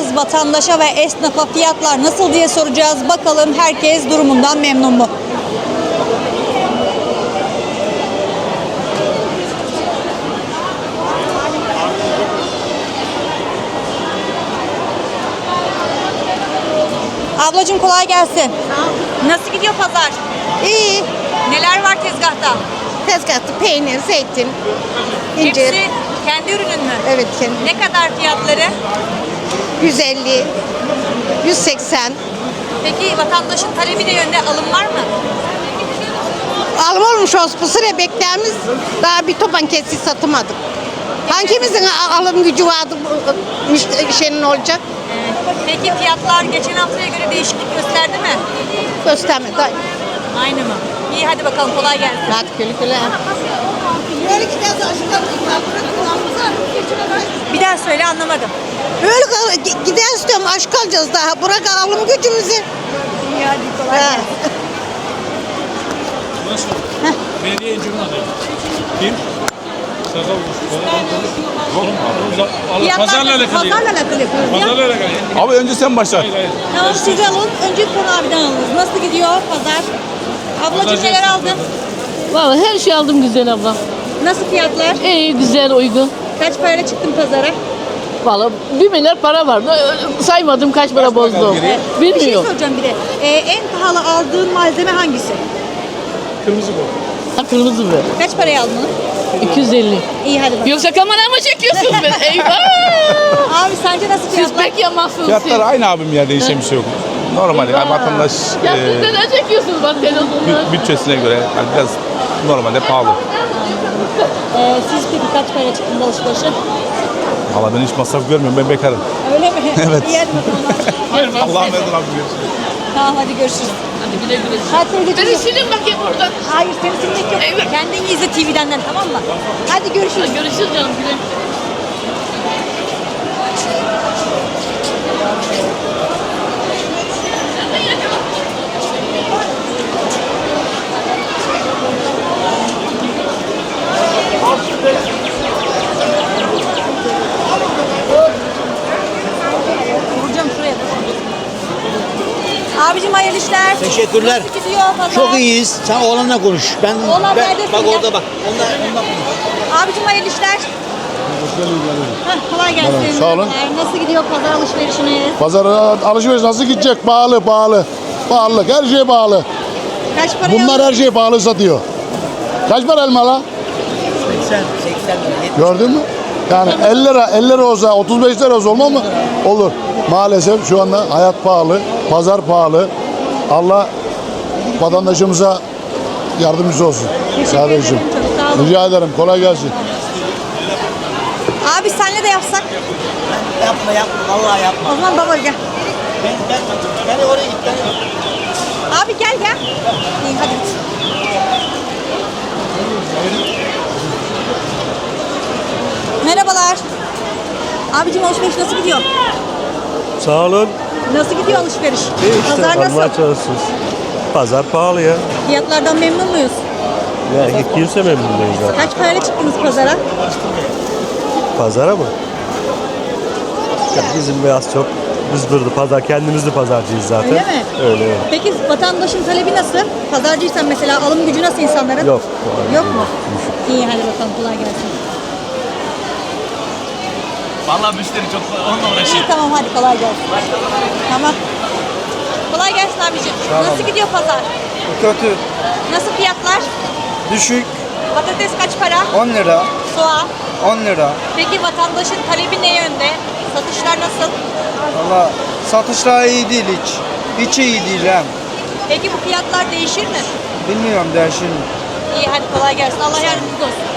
soracağız. Vatandaşa ve esnafa fiyatlar nasıl diye soracağız. Bakalım herkes durumundan memnun mu? Ablacığım kolay gelsin. Nasıl gidiyor pazar? İyi. Neler var tezgahta? Tezgahta peynir, zeytin, incir. Hepsi kendi ürünün mü? Evet, kendi. Ne kadar fiyatları? 150, 180. Peki vatandaşın talebi de yönde alım var mı? Alım olmuş olsun. Bu sıra beklerimiz daha bir topan kesi satamadık. Hangimizin alım gücü vardı şeyin olacak? Peki fiyatlar geçen haftaya göre değişiklik gösterdi mi? Göstermedi. Aynı mı? İyi hadi bakalım kolay gelsin. Hadi güle güle. Bir daha söyle anlamadım. Öyle gider istiyorum. Aşk kalacağız daha. Bırak alım gücümüzü. İyi hadi kolay Ha. gelsin. Nasıl? Belediye incirin adayı. Kim? Sakal. Pazarla alakalı. Pazarla alakalı yapıyoruz ya. Pazarla alakalı. Abi önce sen başla. Hayır hayır. Tamam siz alın. Önce Konu abiden alınız. Nasıl gidiyor pazar? Ablacığım Pazarcı neler esnafı. aldın? Vallahi her şey aldım güzel abla. Nasıl fiyatlar? İyi, güzel, uygun. Kaç parayla çıktın pazara? Vallahi 1 milyar para vardı. Saymadım kaç para bozdum. Bir şey Bilmiyorum. soracağım bir de. En pahalı aldığın malzeme hangisi? Kırmızı bu. Kırmızı mı? Kaç paraya aldın onu? 250. İyi hadi bakalım. Yoksa kamera mı çekiyorsunuz beni? Eyvah! Abi sence nasıl Siz fiyatlar? pek yamazsınız Fiyatlar aynı abim ya, değişen bir şey yok. Normal yani vatandaş Ya siz neden çekiyorsunuz bak telefonlar? bütçesine göre yani biraz normalde pahalı. Siz peki kaç paraya çıktınız alışverişe? Valla ben hiç masraf görmüyorum, ben bekarım. Öyle mi? Evet. İyi hadi bakalım. Allah'a emanet olun abi. Tamam hadi görüşürüz. Hadi güle güle. Hadi teyzeciğim. Beni silin bakayım buradan. Hayır seni silmek yok. Evet. Kendini izle TV'den tamam mı? Hadi görüşürüz. Görüşürüz canım güle. Vuracağım şuraya. Abicim hayırlı işler. Teşekkürler. Nasıl gidiyor pazar? Çok iyiyiz. Sen oğlanla konuş. Oğlan neredesin bak ya? orada bak. Onunla konuş. Abicim hayırlı işler. Kolay gelsin. Sağ olun. Nasıl gidiyor pazar alışverişiniz? Pazar alışveriş nasıl gidecek? Pahalı. Pahalılık, her şey pahalı. Kaç paraya Bunlar her şeyi pahalı satıyor. Kaç para elma la? 80 lira. Gördün mü? Yani 50 lira olsa, 35 lira olsa olmaz mı? Olur. Maalesef şu anda hayat pahalı, pazar pahalı. Allah vatandaşımıza yardımcısı olsun. Kardeşim. Çok sağ olun. Rica ederim. Kolay gelsin. Abi senle de yapsak. Yapma. Vallahi yapma. O zaman baba gel. Ben oraya git. Abi gel. İyi hadi. Merhabalar. Abicim alışveriş nasıl gidiyor? Sağ olun. Nasıl gidiyor alışveriş? İyi işte Pazar nasıl? almaya çalışıyoruz. Pazar pahalı ya. Fiyatlardan memnun muyuz? Ya kimse memnun değil zaten. Kaç parayla çıktınız pazara? Pazara mı? Ya bizim biraz çok biz burada pazar kendimiz de pazarcıyız zaten. Öyle mi? Öyle. Peki vatandaşın talebi nasıl? Pazarcıysan mesela alım gücü nasıl insanların? Yok. Yok mu? İyi hadi bakalım kolay gelsin. Vallahi müşteri çok onunla uğraşıyor. İyi tamam hadi kolay gelsin. Tamam. Kolay gelsin abiciğim. Nasıl gidiyor pazar? Kötü, Nasıl fiyatlar? düşük, Patates kaç para? 10 lira, Soğan. 10 lira. Peki vatandaşın talebi ne yönde? Satışlar nasıl? Valla satışlar iyi değil hiç. Hiç iyi değil hem. Peki bu fiyatlar değişir mi? Bilmiyorum değişir mi? İyi hadi kolay gelsin. Allah yardımcınız olsun.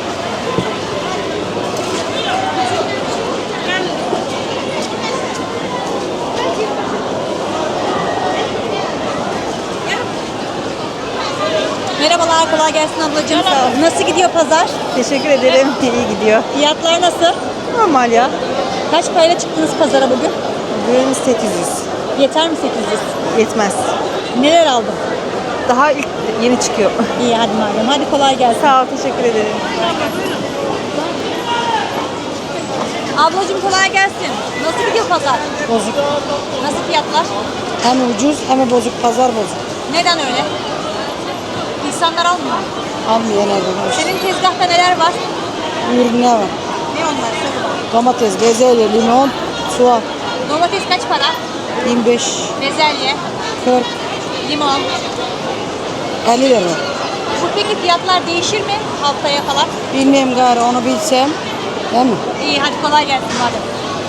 Merhabalar, kolay gelsin ablacığım. Sağ ol. Nasıl gidiyor pazar? Teşekkür ederim. İyi gidiyor. Fiyatlar nasıl? Normal ya. Kaç parayla çıktınız pazara bugün? Bugün 800. Yeter mi 800? Yetmez. Neler aldın? Daha ilk yeni çıkıyor. İyi hadi madem. Hadi kolay gelsin. Sağ ol. Teşekkür ederim. Ablacığım kolay gelsin. Nasıl gidiyor pazar? Bozuk. Nasıl fiyatlar? Hem ucuz hem bozuk. Pazar bozuk. Neden öyle? İnsanlar almıyor. Almıyor nerede? Senin tezgahta neler var? Ürün ne var? Ne onlar? Söyle bana. Domates, bezelye, limon, soğan. Domates kaç para? 25, Bezelye, 40, limon. 50 lira. Bu peki fiyatlar değişir mi haftaya falan? Bilmiyorum gari onu bilsem. Değil mi? İyi hadi kolay gelsin madem.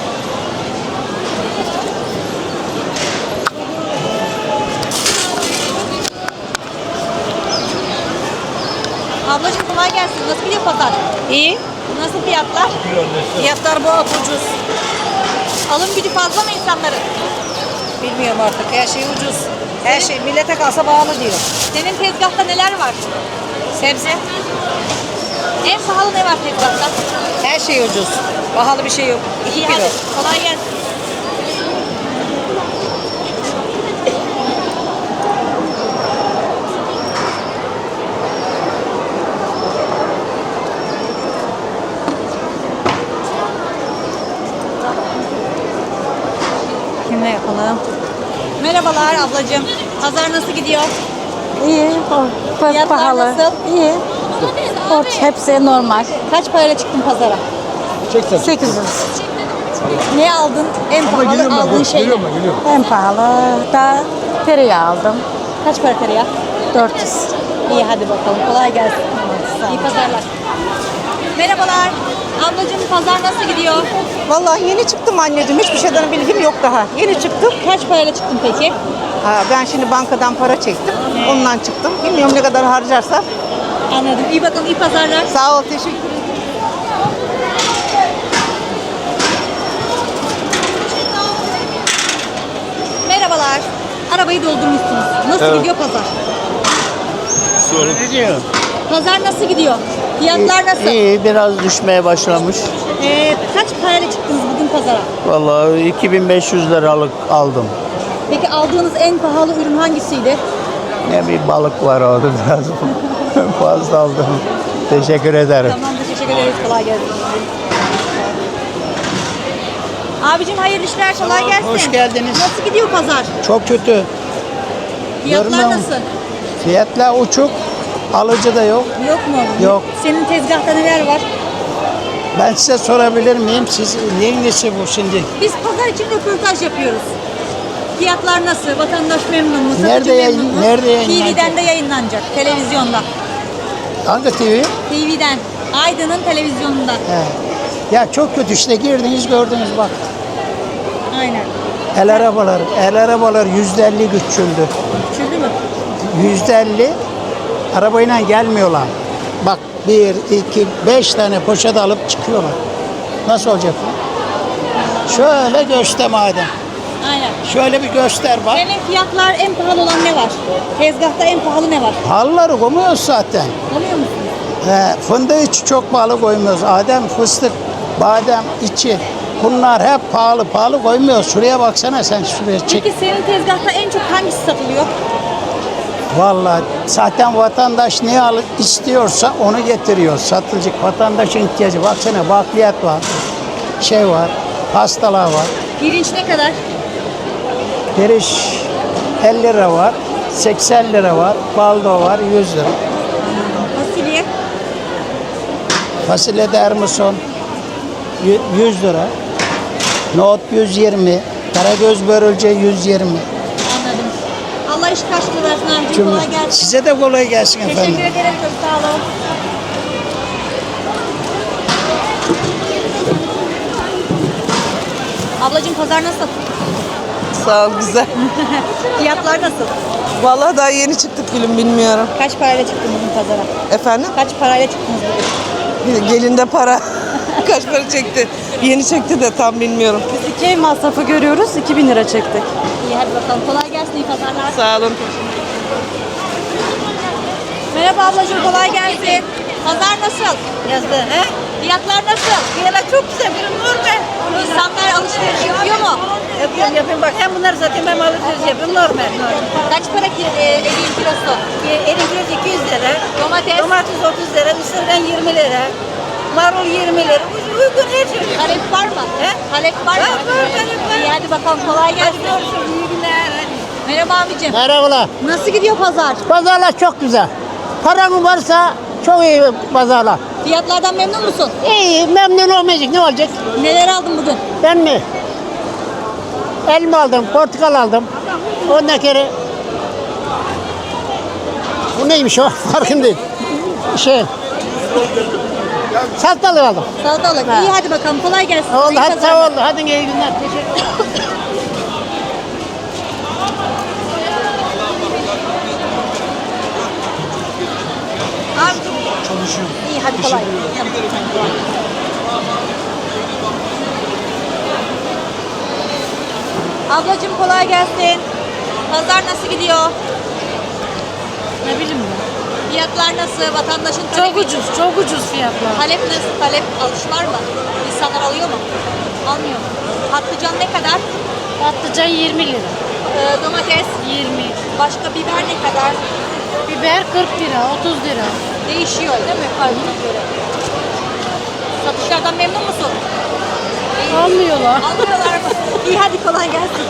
Ablacığım kolay gelsin. Nasıl gidiyor pazar? İyi. Nasıl fiyatlar? Fiyatlar bu ucuz. Alım gücü fazla mı insanların? Bilmiyorum artık. Her şey ucuz. Her şey millete kalsa bağlı diyor. Senin tezgahta neler var? Sebze. En pahalı ne var tezgahta? Her şey ucuz. Pahalı bir şey yok. İyi hadi. Kolay gelsin. Kimle yapalım? Merhabalar ablacığım. Pazar nasıl gidiyor? İyi. Fiyatlar Pahalı. nasıl? İyi. Hepsi normal. Kaç parayla çıktın pazara? 800. Ne aldın? En pahalı aldığın şey ne? En pahalı da tereyağı aldım. Kaç para tereyağı? 400. İyi hadi bakalım. Kolay gelsin. İyi pazarlar. Merhabalar. Ablacığım pazar nasıl gidiyor? Vallahi yeni çıktım anneciğim. Hiçbir şeyden bilgim yok daha. Yeni çıktım. Kaç parayla çıktın peki? Ha, ben şimdi bankadan para çektim. Ondan çıktım. Bilmiyorum ne kadar harcarsam. Anladım. İyi bakalım. İyi pazarlar. Sağ ol, teşekkür ederim. Merhabalar. Arabayı doldurmuşsunuz. Nasıl gidiyor pazar? Pazar nasıl gidiyor? Fiyatlar nasıl? İyi, biraz düşmeye başlamış. Kaç parayla çıktınız bugün pazara? Vallahi 2500 liralık aldım. Peki aldığınız en pahalı ürün hangisiydi? Ne bir balık var orada biraz fazla aldım. Teşekkür ederim. Tamamdır. Teşekkür ederiz. Kolay gelsin. Abicim hayırlı işler. Kolay gelsin. hoş geldiniz. Nasıl gidiyor pazar? Çok kötü. Fiyatlar Görmüyor nasıl? Fiyatlar uçuk, alıcı da yok. Yok mu? Yok. Senin tezgahta neler var? Ben size sorabilir miyim? Siz neyin nesi bu şimdi? Biz pazar için röportaj yapıyoruz. Fiyatlar nasıl? Vatandaş memnun mu? Satıcı Nerede memnun mu? nerede yayınlanacak? TV'den de yayınlanacak. Televizyonda. Hangi TV? TV'den. Aydın'ın televizyonunda. He. Ya çok kötü işte girdiniz gördünüz bak. Aynen. El arabalar %50 küçüldü. Küçüldü mü? %50 arabayla gelmiyorlar. Bak 1, 2, 5 tane poşet alıp çıkıyorlar. Nasıl olacak bu? Şöyle göster madem. Aynen. Şöyle bir göster bak. Senin fiyatlar en pahalı olan ne var? Tezgahta en pahalı ne var? Halları koymuyoruz zaten. Anlıyor musun? Fındık içi çok pahalı koymuyoruz. Adem, fıstık, badem içi. Bunlar hep pahalı koymuyoruz. Şuraya baksana sen şuraya çek. Peki senin tezgahta en çok hangisi satılıyor? Vallahi zaten vatandaş ne istiyorsa onu getiriyor. Satılacak vatandaşın ihtiyacı. Baksana bakliyat var. Şey var. Pastalar var. Pirinç ne kadar? Pirinç 50 lira var. 80 lira var. Baldo var 100 lira. Fasulye? Fasulye dermison 100 lira. Nohut 120. Karagöz börülce 120. Anladım. Allah iş karşılığı versin abicim. Kolay gelsin. Size de kolay gelsin efendim. Teşekkür ederim. Çok sağ olun. Ablacığım pazar nasıl? Sağ ol, güzel. Fiyatlar nasıl? Vallahi daha yeni çıktık gülüm, bilmiyorum. Kaç parayla çıktın bugün pazara? Efendim? Kaç parayla çıktınız bugün? Gelinde para. Kaç para çekti? Yeni çekti de tam bilmiyorum. Biz 2 ev masrafı görüyoruz. 2000 lira çektik. İyi hadi bakalım. Kolay gelsin. İyi pazarlar. Sağ olun. Merhaba ablacığım. Kolay gelsin. Pazar nasıl? Yazdı. He? Fiyatlar nasıl? Fiyatlar çok güzel. Bir normal. İnsanlar alışveriş yapıyor mu? Yapıyorum. Bak hem bunları satayım hem alışveriş yapıyorum. Normal. Kaç para eriğin kilosu? Elin kilosu 200 lira. Domates? Domates 30 lira. Mısırdan 20 lira. Marul 20 lira. Ucuz uygun her şey. Talep var mı? Talep var mı? Var talep var. İyi hadi bakalım kolay gelsin. İyi günler. Merhaba abicim. Merhabalar. Nasıl gidiyor pazar? Pazarlar çok güzel. Paran varsa çok iyi pazarlar. Fiyatlardan memnun musun? İyi, memnun olmayacak. Ne olacak? Neler aldın bugün? Ben mi? Elma aldım, portakal aldım. Ondan kere... Bu neymiş o? Farkındayım. Salatalık aldım. Salatalık. Ha. İyi hadi bakalım kolay gelsin. Oldu, İyi hadi pazarlar. sağ ol. Hadi iyi günler. Teşekkür Abicim. Çalışıyorum. İyi hadi kolay. Ablacığım kolay gelsin. Pazar nasıl gidiyor? Ne bileyim ben. Fiyatlar nasıl? Vatandaşın Çok talebi. ucuz, çok ucuz fiyatlar. Talep nasıl? Talep alış var mı? İnsanlar alıyor mu? Almıyor mu? Patlıcan ne kadar? Patlıcan 20 lira. Domates 20. başka biber ne kadar? Biber 40 lira, 30 lira. Değişiyor değil mi? Kaybına göre. Satışlardan memnun musun? Almıyorlar. Almıyorlar mı? İyi hadi kolay gelsin.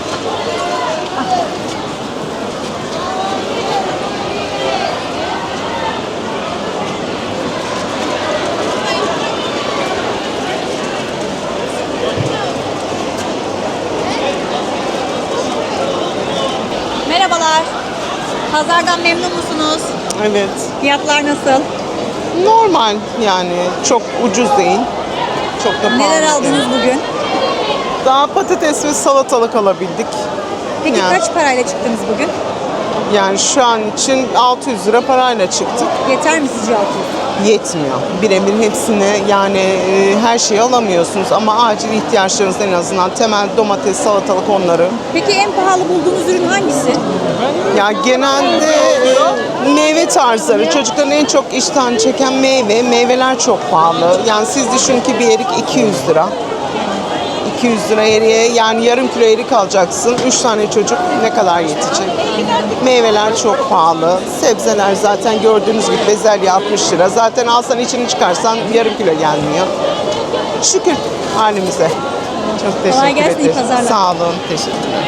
Merhabalar. Pazardan memnun musunuz? Evet. Fiyatlar nasıl? Normal yani çok ucuz değil. Çok da pahalı. Neler değil. aldınız bugün? Daha patates ve salatalık alabildik. Peki Yani- kaç parayla çıktınız bugün? Yani şu an için 600 lira parayla çıktık. Yeter mi sizce 600? Yetmiyor. Birebir hepsini yani her şeyi alamıyorsunuz ama acil ihtiyaçlarınız en azından temel domates, salatalık onları. Peki en pahalı bulduğunuz ürün hangisi? Ya genelde meyve tarzları, çocukların en çok iştahını çeken meyveler çok pahalı. Yani siz düşünün ki bir erik 200 lira. 200 lira eriğe yani yarım kilo erik alacaksın. 3 tane çocuk ne kadar yetecek? Meyveler çok pahalı. Sebzeler zaten gördüğünüz gibi bezelye 60 lira. Zaten alsan içini çıkarsan yarım kilo gelmiyor. Şükür halimize. Çok teşekkür Kolay gelsin, iyi ederim. pazarlar. Sağ olun. Teşekkürler.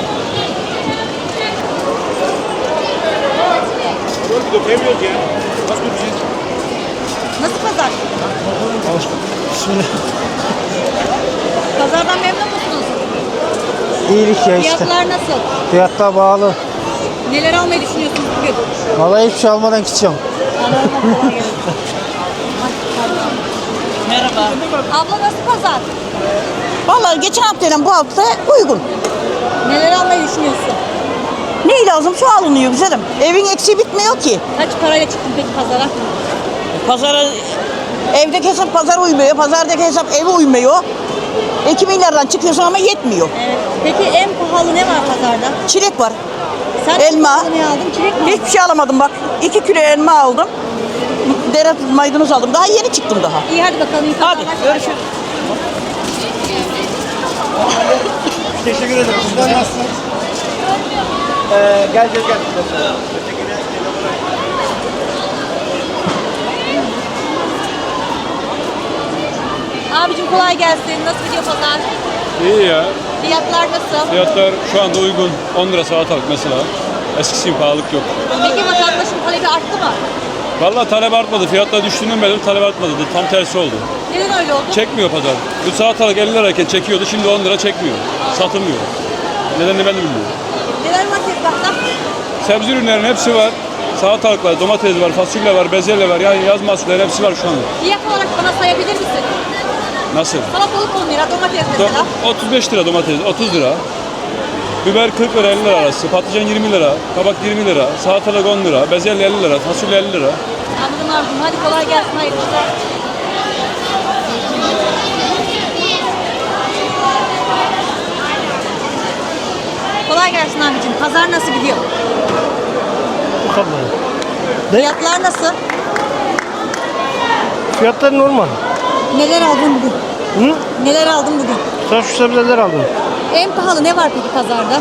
Nasıl pazar? Pazardan memnun musunuz? İyilik ya Fiyatlar nasıl? Fiyatlar bağlı. Neler almayı düşünüyorsunuz bugün? Vallahi hiçbir şey almadan gideceğim. Merhaba. Abla nasıl pazar? Vallahi geçen haftayla bu hafta uygun. Neler almayı düşünüyorsun? Ne lazım şu alınıyor güzelim. Evin eksiği bitmiyor ki. Kaç parayla çıktın peki pazara? Pazara evdeki hesap pazar uymuyor. Pazardaki hesap eve uymuyor. 2 milyardan çıkıyorsun ama yetmiyor. Evet. Peki en pahalı ne var pazarda? Çilek var. Sen Elma. en pahalı ne aldın? Çilek mi aldın? Hiçbir şey alamadım bak. 2 kilo elma aldım. Dere maydanoz aldım. Daha yeni çıktım daha. İyi hadi bakalım. iyi Hadi pazarlar. görüşürüz. Teşekkür ederim. Sizler nasılsınız? Gel. Abicim kolay gelsin. Nasıl gidiyor pazar? İyi ya. Fiyatlar nasıl? Fiyatlar şu anda uygun. 10 lira salatalık mesela. Eskisi gibi pahalılık yok. Peki vatandaşın talebi arttı mı? Vallahi talep artmadı. Fiyatlar düştüğünden beri talep artmadı. Tam tersi oldu. Neden öyle oldu? Çekmiyor pazar. Bu salatalık 50 lirayken çekiyordu. Şimdi 10 lira çekmiyor. Satılmıyor. Nedenini ben de bilmiyorum. Neler var tezgahta? Sebze ürünlerin hepsi var. Salatalık var, domates var, fasulye var, bezelye var. Yani yaz mahsulleri hepsi var şu anda. Fiyat olarak bana sayabilir misin? Nasıl? Salatalık 10 lira, domates mesela. 35 lira domates, 30 lira. Biber 40 lira 50 lira arası. Patlıcan 20 lira, kabak 20 lira, salatalık 10 lira, bezelye 50 lira, fasulye 50 lira. Anladım Arzum. Hadi kolay gelsin. Hayırlı işler. Kolay gelsin abicim. Pazar nasıl gidiyor? Fiyatlar nasıl? Fiyatlar normal. Neler aldın bugün? Hı? Neler aldın bugün? Sen şu sebzeler aldım. En pahalı ne var peki pazarda?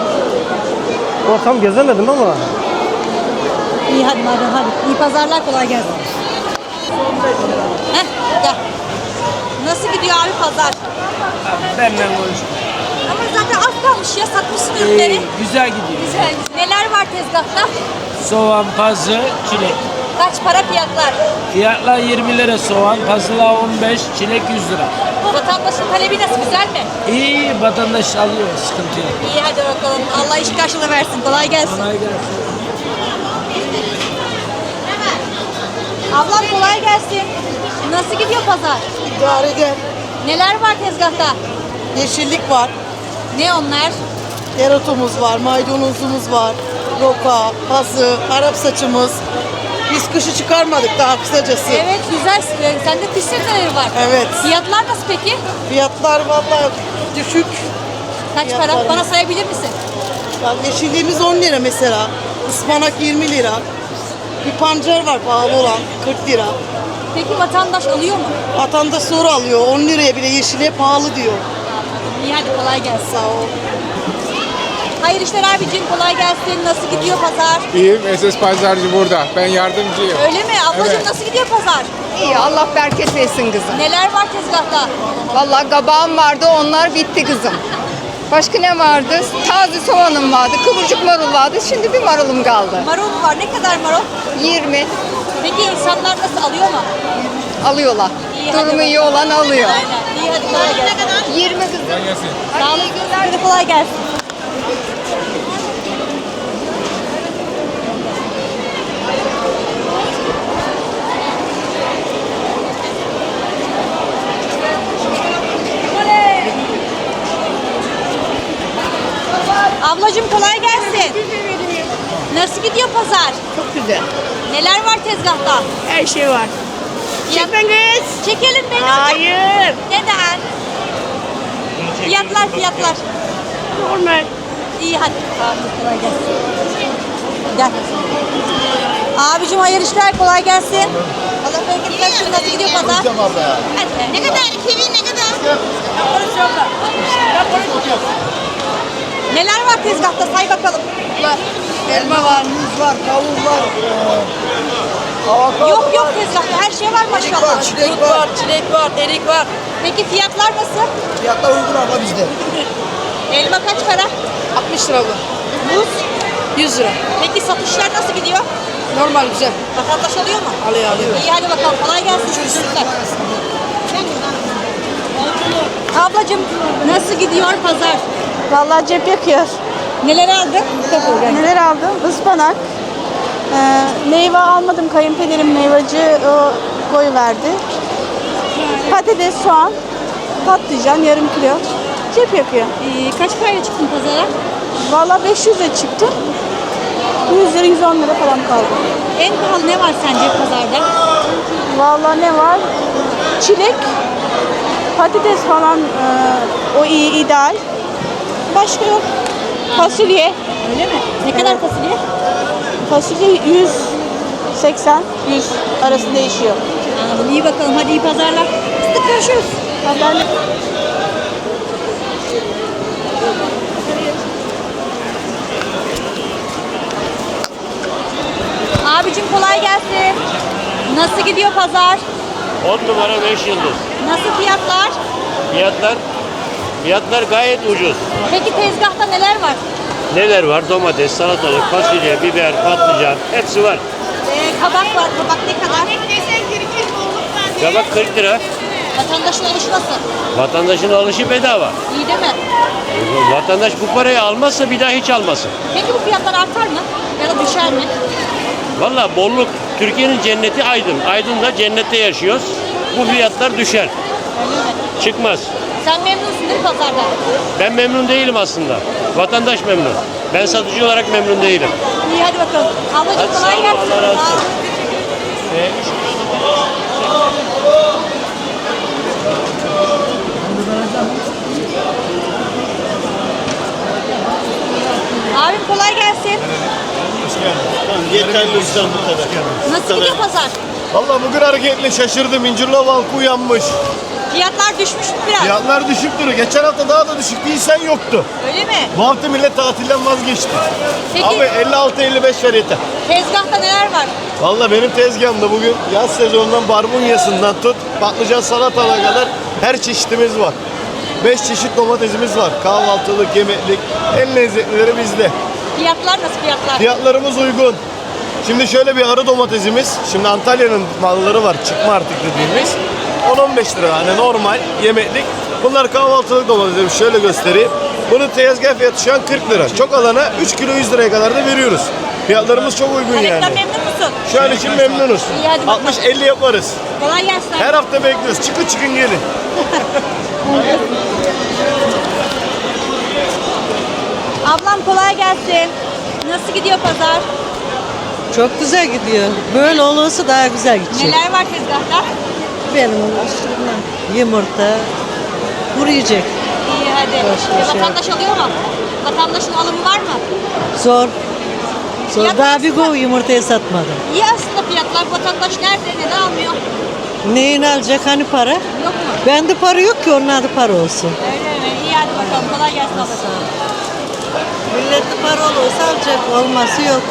Tam gezemedim ama. İyi hadi madem hadi. İyi pazarlar kolay gelsin. Heh gel. Nasıl gidiyor abi pazar? Benden konuş. Ama zaten az kalmış ya, satmışsın ürünleri. Güzel gidiyor. Güzel. Neler var tezgahta? Soğan, pazı, çilek. Kaç para fiyatlar? Fiyatlar 20 lira soğan, pazılar 15, çilek 100 lira. Vatandaşın talebi nasıl, güzel mi? İyi, vatandaş alıyor, sıkıntı yok. İyi, hadi bakalım. Allah iş karşılığı versin. Kolay gelsin. Kolay gelsin. Ablam kolay gelsin. Nasıl gidiyor pazar? İdare eder. Neler var tezgahta? Yeşillik var. Ne onlar? Dereotumuz var, maydanozumuz var. Roka, pazı, Arap saçımız. Biz kışı çıkarmadık daha kısacası. Evet, güzel. Sende kış sebzeleri var. Evet. Fiyatlar nasıl peki? Fiyatlar vallahi düşük. Kaç para? Fiyatlar- Bana sayabilir misin? Bak yeşilliğimiz 10 lira mesela. Ispanak 20 lira. Bir pancar var pahalı olan 40 lira. Peki vatandaş alıyor mu? Vatandaş sonra alıyor. 10 liraya bile yeşile pahalı diyor. İyi, hadi kolay gelsin. Sağ ol. Hayır işler abicim, kolay gelsin. Nasıl gidiyor pazar? İyiyim. SS Pazarcı burada. Ben yardımcıyım. Öyle mi? Ablacığım Evet. nasıl gidiyor pazar? İyi, Allah bereket versin kızım. Neler var tezgahta? Vallahi kabağım vardı, onlar bitti kızım. Başka ne vardı? Taze soğanım vardı, kıvırcık marul vardı. Şimdi bir marulum kaldı. Marul mu var? Ne kadar marul? 20 Peki insanlar nasıl, alıyor mu? alıyorlar. İyi, hadi Durumu iyi olan alıyor. Aynen. İyi, hadi kolay gelsin. 20 kızım. Sağ olun. Hadi kolay gelsin. Ablacığım kolay gelsin. Nasıl gidiyor pazar? Çok güzel. Neler var tezgahta? Her şey var. Çekme kız. Çekelim beni. Hayır. Neden? Fiyatlar. Normal. İyi hadi. Tamam, kolay gelsin. Gel. Abicim hayırlı işler, kolay gelsin. Allah bereket versin. Nasıl gidiyor pazar? Hadi. Ne kadar? 2000 ne kadar? Neler var tezgahta, say bakalım. Elma var, muz var, kavun var. Yok tezgahta, her şey var maşallah. Çilek var, erik var. Peki fiyatlar nasıl? Fiyatlar uygun ama bizde. Elma kaç para? 60 lira bu. Muz? 100 lira. Peki satışlar nasıl gidiyor? Normal güzel. Vatandaş alıyor mu? Alıyor. İyi hadi bakalım, kolay gelsin çocuklar. Ablacığım nasıl gidiyor pazar? Vallahi cep yakıyor. Neler aldın? Neler aldım? Ispanak. Meyve almadım. Kayınpederim meyvacı koyu verdi. Patates, soğan, patlıcan yarım kilo. Cep yakıyor. Kaç parayla çıktın pazara? Vallahi 500'e çıktı. 100 lira 110 lira falan kaldı. En pahalı ne var sence pazarda? Vallahi ne var? Çilek, patates falan o iyi ideal. Başka yok. Fasulye. Öyle mi? Ne kadar fasulye? Fasulye 180 100 arası değişiyor. Anladım. İyi bakalım. Hadi iyi pazarlar. Sıkı görüşürüz. Haberle Abicim kolay gelsin. Nasıl gidiyor pazar? 10 numara 5 yıldız. Nasıl fiyatlar? Fiyatlar gayet ucuz. Peki tezgahta neler var? Neler var? Domates, salatalık, fasulye, biber, patlıcan hepsi var. Kabak var. Kabak ne kadar? Kabak 40 lira. Vatandaşın alışı nasıl? Vatandaşın alışı bedava. İyi değil mi? Vatandaş bu parayı almazsa bir daha hiç almasın. Peki bu fiyatlar artar mı? Ya da düşer mi? Vallahi bolluk. Türkiye'nin cenneti Aydın. Aydın'da cennette yaşıyoruz. Bu fiyatlar düşer. Çıkmaz. Sen memnunsun değil mi pazarda? Ben memnun değilim aslında. Vatandaş memnun. Ben satıcı olarak memnun değilim. İyi hadi bakalım. Ablacığım Hadi kolay sağ ol, gelsin. Allah razı olsun. Sağ ol. Abim kolay gelsin. Yeterli ustam bu kadar. Nasıl gidiyor pazar? Valla bugün hareketli şaşırdım. İncirli Valk uyanmış. Fiyatlar düşmüş biraz. Fiyatlar düşük duruyor. Geçen hafta daha da düşük değilsen yoktu. Öyle mi? Bu hafta millet tatilden vazgeçti. Peki Abi 56-55 ver yeter. tezgahta neler var? Valla benim tezgahımda bugün yaz sezonundan barbunyasından tut patlıcan salatalığa kadar Her çeşitimiz var. 5 çeşit domatesimiz var. Kahvaltılık, yemeklik. En lezzetlileri bizde. Fiyatlar nasıl fiyatlar? Fiyatlarımız uygun. Şimdi şöyle bir arı domatesimiz. Şimdi Antalya'nın malları var. Çıkma artık dediğimiz. 10-15 lira. Hani normal yemeklik. Bunlar kahvaltılık domatesimiz. Şöyle göstereyim. Bunun tezgah fiyatı şu an 40 lira. Çok alana 3 kilo 100 liraya kadar da veriyoruz. Fiyatlarımız çok uygun yani. Yemekten memnun musun? Şu an için memnunuz. İyi, hadi bakalım. 60-50 yaparız. Kolay gelsin. Her hafta bekliyoruz. Çıkın gelin. Ablam kolay gelsin. Nasıl gidiyor pazar? Çok güzel gidiyor. Böyle olursa daha güzel gidecek. Neler var tezgahta? Benim yumurta, kuru yiyecek. İyi hadi. Boş ver. Vatandaş alıyor mu? Vatandaşın alımı var mı? Zor. Zor. Fiyat Daha nasıl? bir kov yumurtayı satmadım. İyi aslında fiyatlar. Vatandaş nerede? Neden almıyor? Neyini alacak hani para? Yok mu? Bende para yok ki onun adı para olsun. Öyle mi? İyi hadi bakalım. Kolay gelsin ablacığım. Millette para olursa alacak, olması yok.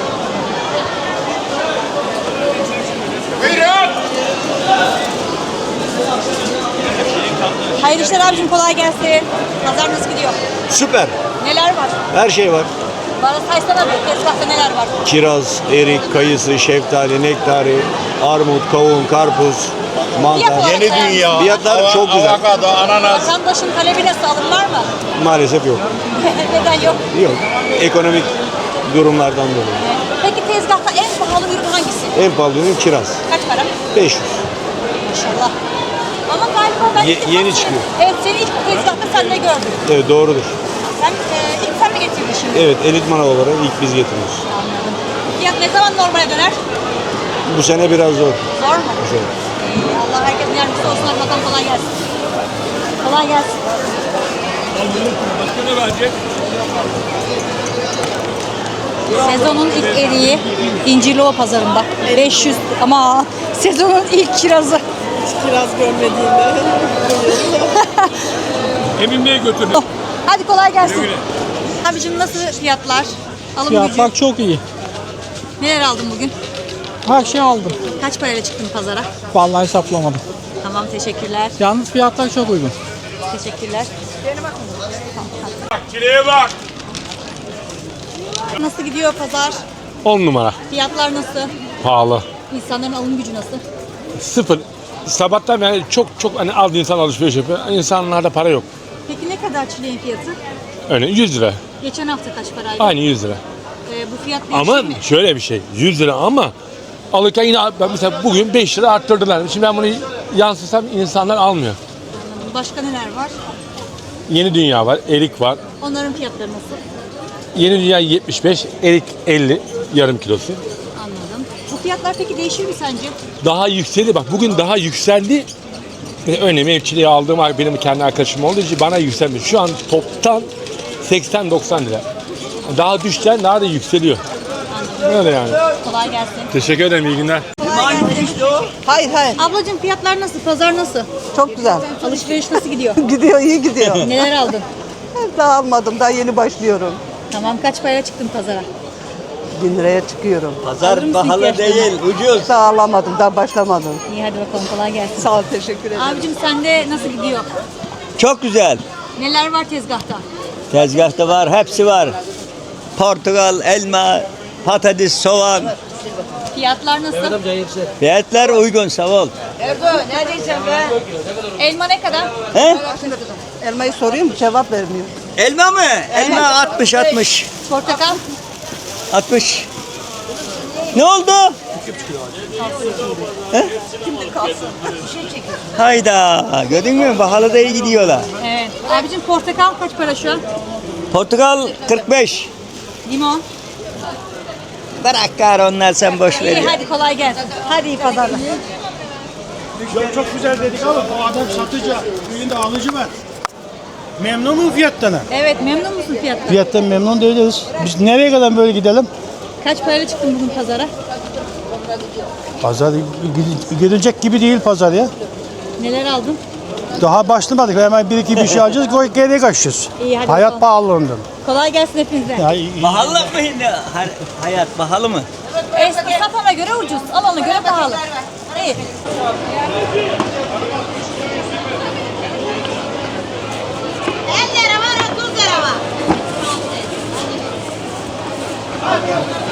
Hayırlı işler abicim, kolay gelsin. Pazar nasıl gidiyor? Süper. Neler var? Her şey var. Bana saysana bir tezgahta neler var? Kiraz, erik, kayısı, şeftali, nektari, armut, kavun, karpuz, mantar. Yeni dünya. Fiyatlar çok güzel. Vatandaşın talebi nasıl, alım var mı? Maalesef yok. Neden yok? Yok. Ekonomik durumlardan dolayı. Peki tezgahta en pahalı ürün hangisi? En pahalı ürün kiraz. Kaç para? 500. Maşallah. Ama galiba ben ilk defa yeni seni- çıkıyor. Evet, seni ilk tezgahta sende gördüm. Evet, doğrudur. Sen ilk sen mi getirdin şimdi? Evet, elit manav olarak ilk biz getiriyoruz. Anladım. Fiyat ne zaman normale döner? Bu sene biraz zor. Zor mu? Zor. Allah herkesin yardımcısı olsun. Hadi bakalım, kolay gelsin. Kolay gelsin. Başka ne verecek? Sezonun ilk eriği İncirlova pazarında. 500 ama sezonun ilk kirazı. Kiraz görmediğinde. Emin Bey'e götürdüm. Hadi kolay gelsin. Güle güle. Abicim nasıl fiyatlar? Alım Fiyatlar gücü. çok iyi. Neler aldın bugün? Her şey aldım. Kaç parayla çıktın pazara? Vallahi hesaplamadım. Tamam, teşekkürler. Yalnız fiyatlar çok uygun. Teşekkürler. Çileğe bak. Nasıl gidiyor pazar? 10 numara. Fiyatlar nasıl? Pahalı. İnsanların alım gücü nasıl? Sıfır. Sabahtan beri çok hani az insan alışveriş yapıyor. İnsanlarda para yok. Peki ne kadar çileğin fiyatı? Örneğin 100 lira. Geçen hafta kaç paraydı? Aynı 100 lira. Bu fiyat değişir Ama mi? şöyle bir şey. 100 lira ama alırken yine ben mesela bugün 5 lira arttırdılar. Şimdi ben bunu yansıtsam insanlar almıyor. Anladım. Başka neler var? Yeni dünya var, erik var. Onların fiyatları nasıl? Yeni dünya 75, erik 50 yarım kilosu. Anladım. Bu fiyatlar peki değişir mi sence? Daha yükseldi bak bugün daha yükseldi. Örneğin mevçiliği aldığım benim kendi arkadaşım olduğu için bana yükselmiş. Şu an toptan 80-90 lira. Daha düşten daha da yükseliyor. Öyle yani. Kolay gelsin. Teşekkür ederim, iyi günler. Kolay gelsin. Hayır hayır. Ablacığım fiyatlar nasıl? Pazar nasıl? Çok güzel. Alışveriş nasıl gidiyor? Gidiyor, iyi gidiyor. Neler aldın? Daha almadım, daha yeni başlıyorum. Tamam, kaç parayla çıktın pazara? 1000 liraya çıkıyorum. Alır mısın ihtiyaçlarını? Ucuz. Daha alamadım, daha başlamadım. İyi hadi bakalım, kolay gelsin. Sağ ol, teşekkür ederim. Abicim sende nasıl gidiyor? Çok güzel. Neler var tezgahta? Tezgahta var, hepsi var. Portakal, elma, patates, soğan. Fiyatlar nasıl? Fiyatlar uygun, sağ ol. Elma ne kadar? He? Elmayı soruyorum, cevap vermiyor. Elma mı? Elma 60. Portakal? 60. Ne oldu? He? Hayda, gördün mü? Pahalı da iyi gidiyorlar. Evet. Abicim portakal kaç para şu an? Portakal 45. Limon? Bırak gari onlar, sen boş ver. İyi hadi kolay gelsin. Hadi iyi pazarlar. Çok güzel dedik ama bu adam satıcı. Köyünde alıcı var. Memnunum fiyattan. Evet, memnun musun fiyattan? Fiyattan memnun değiliz. Biz nereye kadar böyle gidelim? Kaç parayla çıktın bugün pazara? Pazar gidilecek gibi değil pazar ya. Neler aldın? Daha başlamadık. Hemen bir iki bir şey alacağız. Geriye kaçacağız. İyi, hadi Hayat bakalım. pahalılığından. Kolay gelsin hepinize. Pahalı mı şimdi? Hayat pahalı mı? Satana göre ucuz, alana göre pahalı. İyi. Bak.